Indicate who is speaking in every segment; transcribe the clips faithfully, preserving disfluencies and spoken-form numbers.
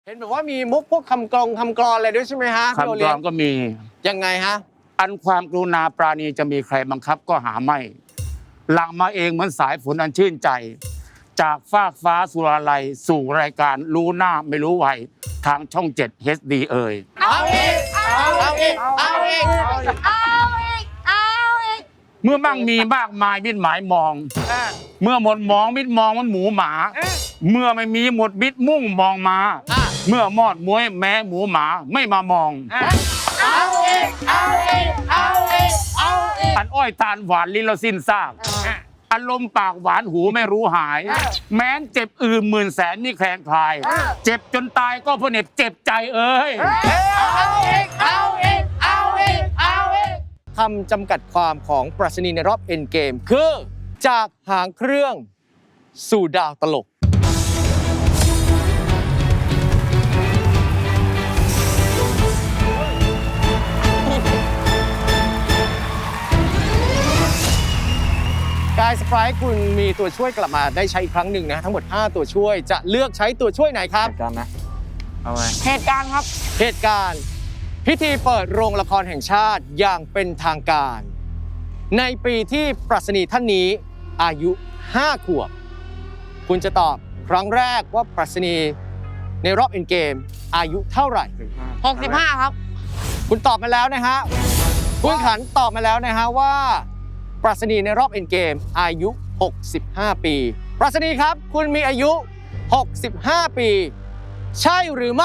Speaker 1: เห็นแบบว่ามีมุกพวกคำกลองคำกลอนอะไรด้วยใช่ไหมฮะ
Speaker 2: คำกลอนก็มี
Speaker 1: ยังไงฮะ
Speaker 2: อันความกรุณาปราณีจะมีใครบังคับก็หาไม่หลั่งมาเองเหมือนสายฝนอันชื่นใจ จากฟากฟ้าสุราลัยสู่รายการรู้หน้าไม่รู้วัยทางช่องเจ็ด เอช ดี เอ่ย
Speaker 1: เอาอีกเอาอีกเอาอีก
Speaker 3: เอาอีก เอาอีก
Speaker 2: เมื่อมั่งมีมากมายมิดหมายมอง เมื่อหมดมองมิดมองมันหมูหมา เมื่อไม่มีหมดมิดมุ่งมองมา เมื่อมอดมวยแม้หมูหมาไม่มามอง
Speaker 1: เอาอีกเอาอีกเอาอีกเอาอีก
Speaker 2: อันอ้อยตาลหวานลิ้นเราสิ้นซากอารมณ์ปากหวานหูไม่รู้หาย แม้นเจ็บอื่นหมื่นแสนนี่แคลงคลาย เจ็บจนตายก็เพราะเหน็บเจ็บใจเอ้ย
Speaker 1: เอาอีกเอาอีกเอาอีกเอาอีกคำจำกัดความของปรัชนีในรอบเอ็นเกมคือ จากหางเครื่องสู่ดาวตลก กายสไปร์คุณมีตัวช่วยกลับมาได้ใช้อีกครั้งหนึ่งนะ ทั้งหมดห้าตัวช่วยจะเลือกใช้ตัวช่วยไหนครับ
Speaker 4: เหตุการณ์นะเอาไง
Speaker 3: เหตุการณ์ครับ
Speaker 1: เหตุการณ์ พิธีเปิดโรงละครแห่งชาติอย่างเป็นทางการ ในปีที่ปรัชนีท่านนี้อายุห้าขวบ คุณจะตอบครั้งแรกว่าปรัชนีในรอบเอ็นเกมอายุเท่าไหร่
Speaker 3: หกสิบห้า ครับ
Speaker 1: คุณตอบมาแล้วนะฮะ คุณขันตอบมาแล้วนะฮะว่า ปรัชนีในรอบเอ็นเกมอายุ หกสิบห้า ปี ปรัชนีครับ คุณมีอายุ หกสิบห้า ปี ใช่หรือไม่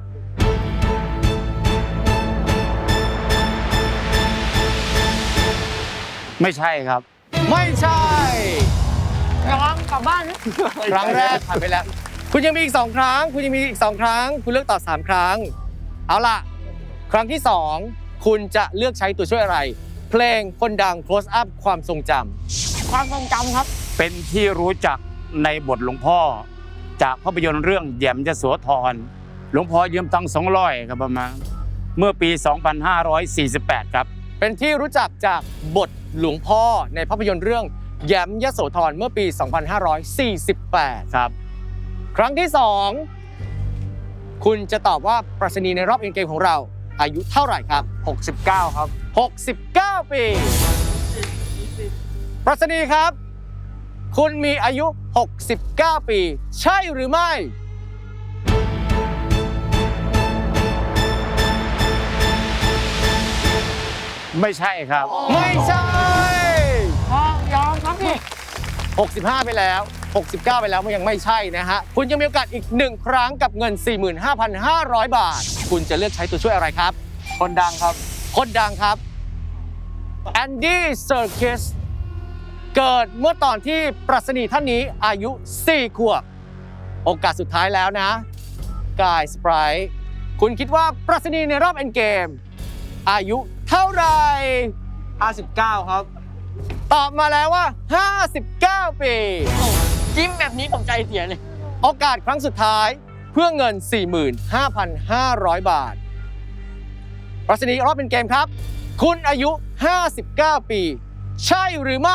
Speaker 2: ไม่ใช่ครับ
Speaker 1: ไม่ใช่
Speaker 3: ยอมกลับบ้านนะ
Speaker 1: ครั้งแรกผ่านไปแล้ว คุณยังมีอีกสองครั้ง คุณยังมีอีกสองครั้ง คุณเลือกตอบสามครั้ง เอาล่ะ ครั้งที่สองคุณจะเลือกใช้ตัวช่วยอะไร เพลงคนดัง close up ความทรงจำ
Speaker 3: ความทรงจำครับ
Speaker 2: เป็นที่รู้จักในบทหลวงพ่อ จากภาพยนตร์เรื่องแหยมยโสธรหลวงพ่อยืมตังค์สองร้อยครับประมาณเมื่อปี สองพันห้าร้อยสี่สิบแปด ครับ
Speaker 1: เป็นที่รู้จักจากบทหลวงพ่อในภาพยนตร์เรื่องแหยมยโสธรเมื่อปี สองพันห้าร้อยสี่สิบแปด
Speaker 2: ครับ
Speaker 1: ครั้งที่สองคุณจะตอบว่าปรัชนีในรอบเอ็นเกมของเรา อายุเท่าไหร่ครับ
Speaker 4: หกสิบเก้าครับ
Speaker 1: หกสิบเก้า ปี ปรัชนีครับ คุณมีอายุ หกสิบเก้า ปี ใช่หรือไม่
Speaker 2: ไม่ใช่ครับ
Speaker 1: ไม่ใช่
Speaker 3: พอยอมครับพี่
Speaker 1: หกสิบห้า ไปแล้ว หกสิบเก้า ไปแล้วมันยังไม่ใช่นะฮะ คุณยังมีโอกาสอีกหนึ่งครั้งกับเงิน สี่หมื่นห้าพันห้าร้อย บาท คุณจะเลือกใช้ตัวช่วยอะไรครับ
Speaker 4: คนดังครับ
Speaker 1: คนดังครับแอนดี้เซอร์คิสเกิดเมื่อตอนที่ปรัชนีท่านนี้อายุ สี่ ขวบ โอกาสสุดท้ายแล้วนะกายสไปร์คุณคิดว่าปรัชนีในรอบเอ็นเกมอายุเท่าไหร่
Speaker 4: ห้าสิบเก้า ครับ
Speaker 1: ตอบมาแล้วว่า ห้าสิบเก้า ปี
Speaker 3: จิ้มแบบนี้ผมใจเสียเลย
Speaker 1: โอกาสครั้งสุดท้ายเพื่อเงิน สี่หมื่นห้าพันห้าร้อย บาท ปรัชนีรอบเป็นเกมครับ คุณอายุ ห้าสิบเก้า ปี ใช่หรือไม่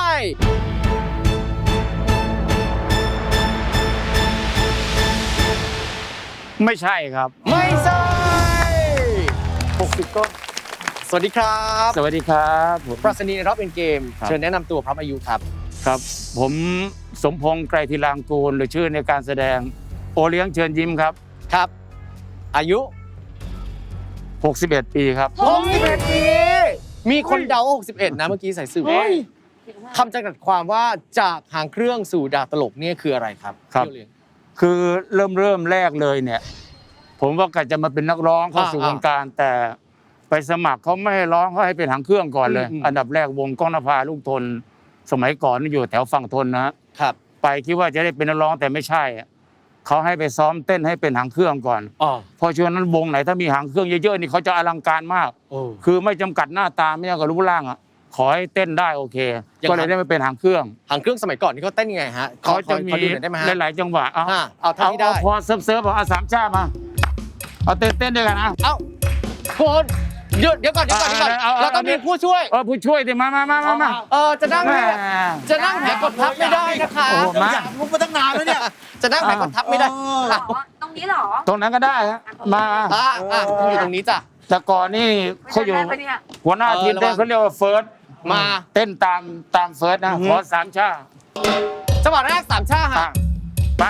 Speaker 2: ไม่ใช่ครับ
Speaker 1: ไม่ใช่
Speaker 4: หกสิบต้น
Speaker 1: สวัสดีครับ
Speaker 2: สวัสดีครับผม
Speaker 1: ปรัชนีในรอบเป็นเกม
Speaker 2: ครับ
Speaker 1: เชิญแนะนำตัวพร้อมอายุครับ
Speaker 2: ครับ ผมสมพงษ์ไกรธีรางกูลหรือชื่อในการแสดงโอเลี้ยงเชิญยิ้มครับ
Speaker 1: ครับ อายุ
Speaker 2: หกสิบเอ็ด ปีครับ
Speaker 1: หกสิบเอ็ด ปี มีคนเดาว่าหกสิบเอ็ด นะเมื่อกี้ใส่สื่อคำจำกัดความว่าจากหางเครื่องสู่ดาวตลกเนี่ยคืออะไรครับ
Speaker 2: ครับ
Speaker 1: พี่โอเลี้ยง
Speaker 2: คือเริ่มเริ่มแรกเลยเนี่ย ผมว่ากะจะมาเป็นนักร้องเข้าสู่
Speaker 1: อ่าว
Speaker 2: งการแต่ไปสมัครเขาไม่ให้ร้องเขาให้เป็นหางเครื่องก่อนเลย
Speaker 1: อืมอืม
Speaker 2: อันดับแรกวงก้องนภาลูกทน สมัยก่อนนี่อยู่แถวฝั่งทนนะฮะ
Speaker 1: ครับ
Speaker 2: ไปคิดว่าจะได้เป็นนักร้องแต่ไม่ใช่อะเขาให้ไปซ้อมเต้นให้เป็นหางเครื่องก่อน
Speaker 1: อ๋อ
Speaker 2: เพราะช่วงนั้นวงไหนถ้ามีหางเครื่องเยอะๆนี่เขาจะอลังการมาก
Speaker 1: โอ้
Speaker 2: คือไม่จำกัดหน้าตาไม่จำกัดรูปร่างอ่ะขอให้เต้นได้โอเค
Speaker 1: อย่างนั้น
Speaker 2: ก็เลยได้มาเป็นหางเครื่อง
Speaker 1: หางเครื่องสมัยก่อนนี่เขาเต้นยังไงฮะ
Speaker 2: เขาจะมี
Speaker 1: ขอดูหน่อยได้ไหมฮะ
Speaker 2: หลายๆจังหวะเอา
Speaker 1: อ่ะเอาเท่า
Speaker 2: เอา
Speaker 1: ที่ได้
Speaker 2: เอาพอเซิร์ฟเซิร์ฟเอาสามชาติมาเอาเต้นเต้นด้วยกันนะ
Speaker 1: เอ้าคุณหยุดเดี๋ยวก่อนเดี๋ยวก่อนเดี๋ยวก่อน
Speaker 2: เอาเอาเอา
Speaker 1: เราต้องมีผู้ช่วย
Speaker 2: เออผู้ช่วยดิมามามามามา
Speaker 1: เออจะนั่ง
Speaker 2: แหม่
Speaker 1: จะนั่งแผลกดทับไม่ได้นะคะ
Speaker 2: โอ้โหมา
Speaker 4: มุกมาตั้งนานแล้วเนี่ย
Speaker 1: จะนั่งแผลกดทับไม่ได้
Speaker 3: บอกว่าต้องมี
Speaker 5: นี้เหรอ
Speaker 2: ตรงนั้นก็ได้ฮะมา
Speaker 1: อ่ะอ่ะอยู่ตรงนี้จ้ะ
Speaker 2: แต่ก่อนนี่เขาอยู่
Speaker 5: ได้ปะเนี่ย
Speaker 2: หัวหน้าทีมเต้นเขาเรียกว่าเฟิร์ส
Speaker 1: มา
Speaker 2: เต้นตามตามเฟิร์สนะขอสามชา
Speaker 1: จังหวะแรกสามชา
Speaker 2: อ่ะ
Speaker 1: ฮะ
Speaker 2: ไป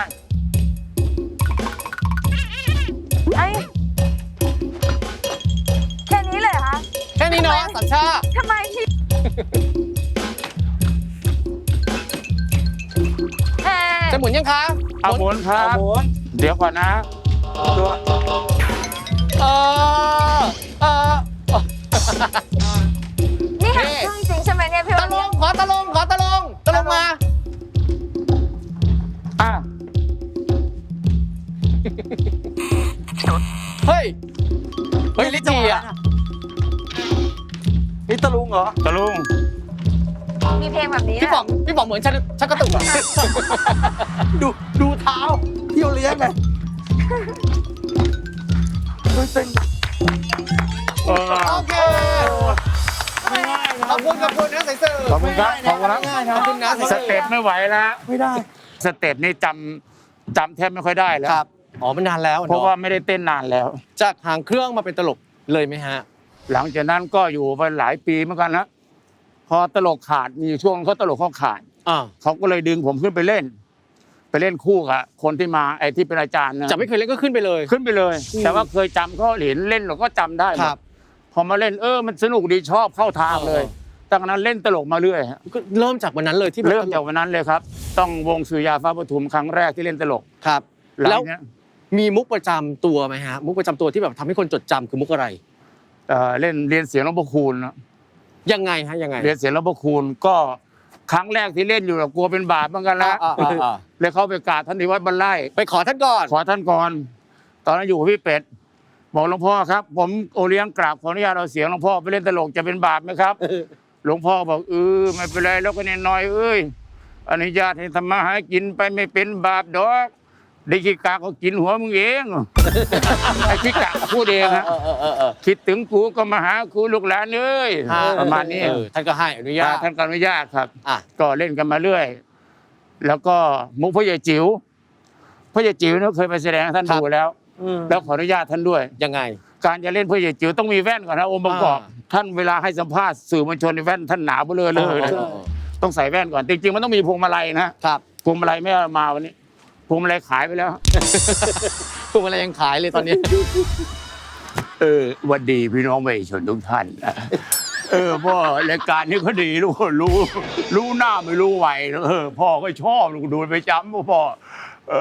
Speaker 5: ไอ้ยแค่นี้เลยเหรอคะ
Speaker 1: แค่นี้เนาะสามชา
Speaker 5: ทำไมพี่เฮ้
Speaker 1: จะหมุนยังคะ
Speaker 2: เอาหมุนครับ
Speaker 4: หมุน
Speaker 2: เดี๋ยวก่อนนะ
Speaker 4: ตัว
Speaker 1: เออเออ
Speaker 5: นี่หางเครื่องจริงใช่ไหมเนี่ยพี่
Speaker 1: ตะ
Speaker 5: วัน
Speaker 1: ลงขอตะลงขอตะลงตะลงมา
Speaker 2: อ่ะ
Speaker 1: เฮ้ย เฮ้ยลิจีอ่ะ
Speaker 4: นี่ตะลุงเหรอ
Speaker 2: ตะลุง
Speaker 5: มีเพลงแบบนี้
Speaker 1: พี่ป๋องพี่ป๋องเหมือนชักชักกระตุกอ่ะ
Speaker 4: ดูดูเท้าเที่ยวเลี้ยงไงเฮ้ยเต้น
Speaker 2: เออ
Speaker 1: โอเคขอบคุณขอบคุณนะใส่เสื้อ
Speaker 2: ขอบคุณครับขอบคุณครับ
Speaker 1: ขอบคุณนะ
Speaker 2: สเต็ปไม่ไหวแล้ว
Speaker 4: ไม่ได้
Speaker 2: สเต็ปนี่จำจำแทบไม่ค่อยได้แล้ว
Speaker 1: ครับอ๋อมันนานแล้ว
Speaker 2: เพราะว่าไม่ได้เต้นนานแล้ว
Speaker 1: จากหางเครื่องมาเป็นตลกเลยไหมฮะ
Speaker 2: หลังจากนั้นก็อยู่ไปหลายปีเหมือนกันนะพอตลกขาดมีอยู่ช่วงเขาตลกเขาขาด
Speaker 1: อ่า
Speaker 2: เขาก็เลยดึงผมขึ้นไปเล่น ไปเล่นคู่กับคนที่มาไอ้ที่เป็นอาจารย์นะ
Speaker 1: จะไม่เคยเล่นก็ขึ้นไปเลย
Speaker 2: ขึ้นไปเลย
Speaker 1: อืม
Speaker 2: แต่ว่าเคยจำเขาเห็นเล่นเราก็จำได้หมด
Speaker 1: ครับ
Speaker 2: พอมาเล่นเออมันสนุกดีชอบเข้าทางเลย
Speaker 1: เออ
Speaker 2: ตั้งแต่นั้นเล่นตลกมาเรื่อยฮะ
Speaker 1: ก็เริ่มจากวันนั้นเลยที่แบบ
Speaker 2: เริ่มจากวันนั้นเลยครับ ต้องวงสุริยาฟ้าปทุมครั้งแรกที่เล่นตลก
Speaker 1: ครับ
Speaker 2: หลัง
Speaker 1: แล้ว
Speaker 2: เนี้ย
Speaker 1: มีมุกประจำตัวไหมฮะ มุกประจำตัวที่แบบทำให้คนจดจำคือมุกอะไร
Speaker 2: เอ่อเล่นเรียนเสียงหลวงพ่อคูณนะ
Speaker 1: ยังไงฮะยังไง
Speaker 2: เรียนเสียงหลวงพ่อคูณก็ครั้งแรกที่เล่นอยู่เรากลัวเป็นบาปเหมือนกันละ
Speaker 1: อ่าอ่าอ่า
Speaker 2: เลยเข้าไปกราบท่านที่วัดบรรไล่
Speaker 1: ไปขอท่านก่อน
Speaker 2: ขอท่านก่อน ตอนนั้นอยู่กับพี่เป็ด บอกหลวงพ่อครับ ผมโอเลี้ยงกราบขออนุญาตเอาเสียงหลวงพ่อไปเล่นตลกจะเป็นบาปไหมครับ หลวงพ่อบอกเออไม่เป็นไรแล้วก็เนี่ยน้อยเอ้ยอนุญาตให้ทำมาหากินไปไม่เป็นบาปดอกได้ขี้กาก็กินหัวมึงเอง ไอ้ขี้กาพูดเองฮะ
Speaker 1: เออเออเออเออ
Speaker 2: คิดถึงกูก็มาหากูลูกหลานเอ้ยประมาณนี้
Speaker 1: เออท่านก็ให้อนุญาต
Speaker 2: ท่านก็อนุญาตครับ
Speaker 1: อ่ะ
Speaker 2: ก็เล่นกันมาเรื่อย แล้วก็มุกพ่อใหญ่จิ๋วพ่อใหญ่จิ๋วเนี่ยเคยไปแสดงให้ท่านดูแล้ว แล้วขออนุญาตท่านด้วย
Speaker 1: ยังไง
Speaker 2: การจะเล่นพ่อใหญ่จิ๋วต้องมีแว่นก่อนนะองค์ประกอบ
Speaker 1: อ่า
Speaker 2: ท่านเวลาให้สัมภาษณ์สื่อมวลชนในแว่นท่านหนาเบ้อเลยเลย
Speaker 1: เออ
Speaker 2: นะ
Speaker 1: เออเออ
Speaker 2: ต้องใส่แว่นก่อนจริงๆมันต้องมีพวงมาลัยนะครับ พวงมาลัยไม่เอามาวันนี้พวงมาลัยขายไปแล้ว
Speaker 1: พวงมาลัยยังขายเลยตอนนี้
Speaker 2: เออหวันดีพี่น้องประชาชนทุกท่าน เออพ่อรายการนี้ก็ดีลูกรู้ รู้หน้าไม่รู้ไหวเออพ่อก็ชอบลูกดูไปจำพ่อเอ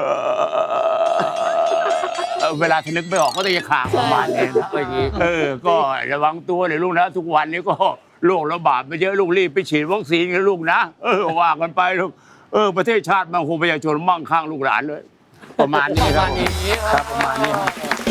Speaker 2: อเวลาทนึกไม่ออกก็จะขางประมาณนี้นะอย่างนี้เออ ก็ระวังตัวเลยลูกนะทุกวันนี้ก็โรคระบาดไปเยอะลูกรีบไปฉีดวัคซีนกันลูกนะเออว่ากันไปลูกเออประเทศชาติมั่งคงประชาชนมั่งคั่งลูกหลานเลย ประมาณนี้
Speaker 1: ประ
Speaker 2: ครั
Speaker 1: มา
Speaker 2: บ
Speaker 1: ณนี้
Speaker 2: ครับประมาณนี้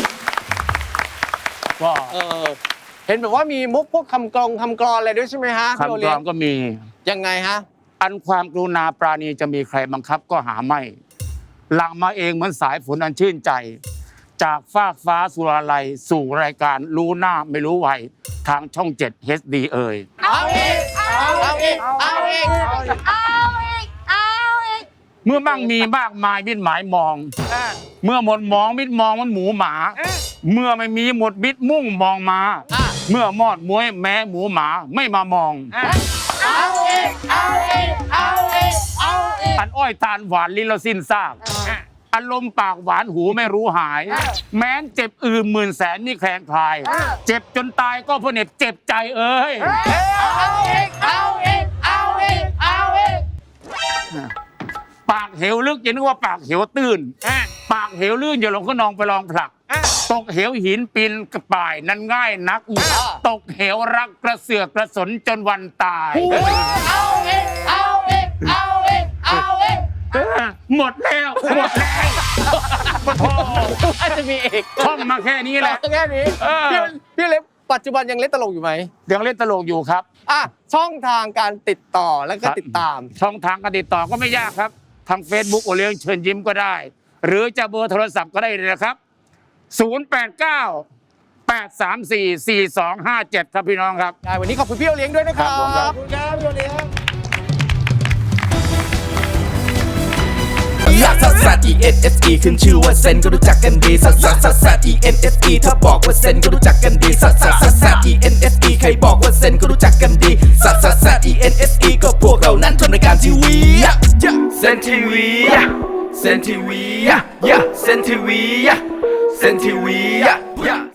Speaker 2: ก็
Speaker 1: เออเห็นแบบว่ามีมุกพวกคำกลองคำกรอนอะไรด้วยใช่ไหมฮะพี่โอ
Speaker 2: คำก
Speaker 1: เลี้
Speaker 2: ร
Speaker 1: ย
Speaker 2: อง นก็มี
Speaker 1: ยังไงฮะ
Speaker 2: อันความกรุณาปราณีจะมีใครบังคับก็หาไม่ หลังมาเองเหมือนสายฝนอันชื่นใจ จากฟากฟ้าสุราลัยสู่รายการรู้หน้าไม่รู้วัยทางช่องเจ็ด เอช ดี เอ่ย
Speaker 1: เอาอีกเอาอีกเอาอีก
Speaker 5: เอาอีก เอาอีก
Speaker 2: เมื่อมั่งมีมากมายมิดหมายมอง เมื่อหมดมองมิดมองมันหมูหมา เมื่อไม่มีหมดมิดมุ่งมองมา
Speaker 1: อ่ะ
Speaker 2: เมื่อมอดมวยแม้หมูหมาไม่มามอง
Speaker 1: เอาอีกเอาอีกเอาอีกเอาอีก
Speaker 2: อันอ้อยตาลหวานลิ้นเราสิ้นซากอารมณ์ปากหวานหูไม่รู้หาย แม้นเจ็บอืมหมื่นแสนนี่แคลงคลาย เจ็บจนตายก็เพราะเหน็บเจ็บใจเอ้ย
Speaker 1: เอาอีกเอาอีกเอาอีกเอาอีก
Speaker 2: ปากเหวลึกอย่านึกว่าปากเหวตื้น ปากเหวลื่นอย่าลงก็นองไปลองผลัก ตกเหวหินปีนกระป่ายนั้นง่ายนัก ตกเหวรักกระเสือกกระสนจนวันตาย
Speaker 1: เอาอีกเอาอีกเอาอีกเอาอีก
Speaker 2: หมดแล้วหมดแล้วปะโท
Speaker 1: อาจจะมีอีก
Speaker 2: ท่องมาแค่นี้แหละ
Speaker 1: แค่นี้
Speaker 2: เออ
Speaker 1: พี่พี่เล็กปัจจุบันยังเล่นตลกอยู่ไหม
Speaker 2: ยังเล่นตลกอยู่ครับ
Speaker 1: อ่ะช่องทางการติดต่อแล้วก็ติดตาม
Speaker 2: ช่องทางการติดต่อก็ไม่ยากครับ ทาง Facebook โอเลี้ยงเชิญยิ้มก็ได้ หรือจะเบอร์โทรศัพท์ก็ได้เลยนะครับ ศูนย์ แปด เก้า แปด สาม สี่ สี่ สอง ห้า เจ็ด ครับพี่น้องครับ
Speaker 1: ได้วันนี้ขอบคุณพี่โอเลี้ยงด้วยนะครั
Speaker 2: ครับผมครับ
Speaker 1: บ
Speaker 4: คุณครับพี่โอเลี้ยง
Speaker 6: ลักซัสซัส E N S E ขึ้นชื่อว่าเซนก็รู้จักกันดีซัสซัสซัสซัส E N S E ถ้าบอกว่าเซนก็รู้จักกันดีซัสซัสซัสซัส E N S E ใครบอกว่าเซนก็รู้จักกันดีซัสซัสซัส E N S E ก็พวกเรานั้นทำรายการทีวีเซนทีวีเซนทีวีเซนทีวีเซนทีวี